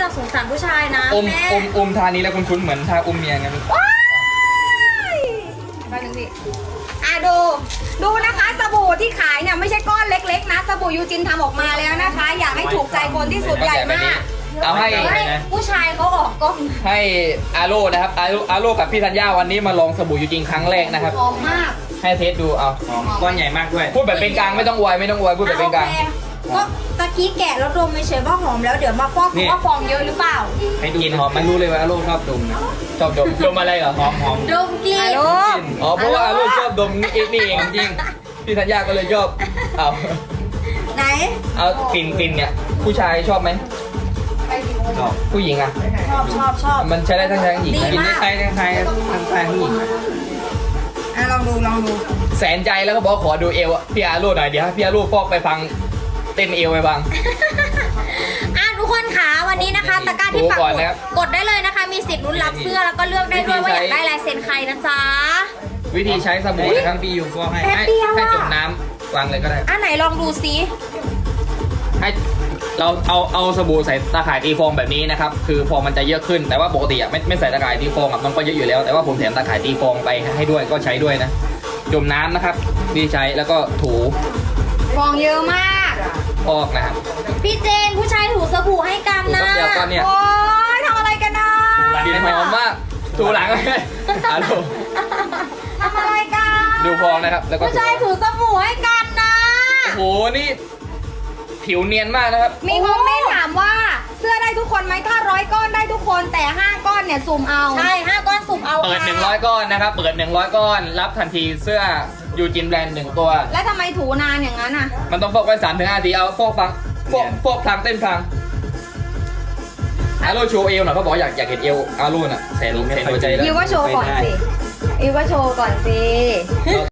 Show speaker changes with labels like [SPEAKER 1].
[SPEAKER 1] สงสารผู้ชายนะ
[SPEAKER 2] อม
[SPEAKER 1] แม่
[SPEAKER 2] ทานี้แล้วคุ้นๆเหมือนทาอมเมียไงมัน
[SPEAKER 1] ว้ายไปหนึ่งดิดูนะคะสบู่ที่ขายเนี่ยไม่ใช่ก้อนเล็กๆนะสบู่ยูจินทำออกมาแล้วนะคะ อยากให้ถูกใจคนที่สุดใหญ่มาก
[SPEAKER 2] เอาให้
[SPEAKER 1] ผู้ชายเขาออกกล้อง
[SPEAKER 2] ให้อาโร่นะครับอาโร่กับพี่ธัญญาวันนี้มาลองสบู่ยูจริงครั้งแรกนะครับ
[SPEAKER 1] หอมมาก
[SPEAKER 2] ให้เทสดูเอา
[SPEAKER 3] ก้อนใหญ่มากด้วย
[SPEAKER 2] พูดแบบเป็นกลางไม่ต้องอวยพูดแบบเป็นกลาง
[SPEAKER 1] โอคก็ตะกี้แกะแล้วดมไม่เฉยว่าหอมแล้วเดี๋ยวมาฟอก
[SPEAKER 3] นี่
[SPEAKER 1] ว่าฟองเยอะหรือเปล่า
[SPEAKER 3] ให้ดู
[SPEAKER 2] กลินหอมมันรู้เลยว่าอาโร่ชอบดมนะชอบดมอะไรเหรอ
[SPEAKER 3] หอม
[SPEAKER 1] ดมกลิ่น
[SPEAKER 2] อ๋อเพราะว่าอาโร่ชอบดมนี่เองจริงพี่ธัญญาก็เลยชอบเอา
[SPEAKER 1] ไหน
[SPEAKER 2] เอากลิ่นเนี่ยผู้ชายชอบไหม
[SPEAKER 3] ชอบ
[SPEAKER 2] ผู้หญิงอ่ะ
[SPEAKER 1] ชอบ
[SPEAKER 2] มันใช้ได้ทั้งชายทั้งหญิง
[SPEAKER 1] ดี
[SPEAKER 2] นะ
[SPEAKER 3] กินได้ใครทั้งใครทั้งชายทั้งหญิง
[SPEAKER 1] ลองดู
[SPEAKER 2] แสนใจแล้วก็บอกขอดูเอวอะพี่อาโร่หน่อยเดี๋ยวให้พี่อาโร่ฟอกไปฟังเต้นเอวไปฟัง
[SPEAKER 1] ทุกคนค่ะวันนี้นะคะตะกร้าที่ปัก
[SPEAKER 2] ดูก่อน
[SPEAKER 1] หมุด
[SPEAKER 2] นะครับ
[SPEAKER 1] กดได้เลยนะคะ มีสิทธิ์ลุ้นรับเสื้อแล้วก็เลือกได้ด้วยว่าอยากได้ลายเซ็นใครนะจ๊ะ
[SPEAKER 2] วิธีใช้สบู่นะครับ
[SPEAKER 3] ปีอยู่ฟอกให้
[SPEAKER 1] แป๊บเดียว
[SPEAKER 2] ให้
[SPEAKER 1] อะ
[SPEAKER 2] จมน้ำวางเลยก็ได้
[SPEAKER 1] ไหนลองดูซิ
[SPEAKER 2] ให้เราเอาสบู่ใส่ตาข่ายตีฟองแบบนี้นะครับคือฟองมันจะเยอะขึ้นแต่ว่าปกติอ่ะไม่ใส่ตาข่ายตีฟองอ่ะมันก็เยอะอยู่แล้วแต่ว่าผมแถมตาข่ายตีฟองไปให้ด้วยก็ใช้ด้วยนะจมน้ำนะครับวิธีใช้แล้วก็ถู
[SPEAKER 1] ฟองเยอะมาก
[SPEAKER 2] ฟอกนะครับ
[SPEAKER 1] พี่เจนผู้ชายถูสบู่ให้กันนะ
[SPEAKER 2] ถูแป๊บเดียวก็เนี่ย
[SPEAKER 1] โอ๊ยทำอะไรกันนะ
[SPEAKER 2] กลิ่นหอมมากถูหลังเลยอาโร่
[SPEAKER 1] ทำอะไรกัน
[SPEAKER 2] ดูฟองนะครับแล้วก็
[SPEAKER 1] ผู้ชายถูสบู่ให้กันนะ
[SPEAKER 2] โอ้โหนี่ผิวเนียนมากนะครับ
[SPEAKER 1] มีคอมเมนต์ถามว่าเสื้อได้ทุกคนไหมถ้า100 ก้อนได้ทุกคนแต่5 ก้อนเนี่ยสุ่มเอาใช่5 ก้อนสุ่มเอา
[SPEAKER 2] เปิด
[SPEAKER 1] ค่ะ
[SPEAKER 2] 100 ก้อนนะครับเปิด100 ก้อนรับทันทีเสื้อยูจินแบรนด์1ตัว
[SPEAKER 1] แล้วทำไมถูนานอย่างนั้นอ่ะ
[SPEAKER 2] มันต้องฟอกไว้3-5 นาทีเอาฟอกฟังฟอกพลางเต้นพลางอาโร่โชว์เอวหน่อยเขาบอกอยากเห็นเอวอาโร่น่ะแสนหัวใจแล้ว
[SPEAKER 1] ยูก็โชว์ก่อนสิยูก็โชว์ก่อนสิ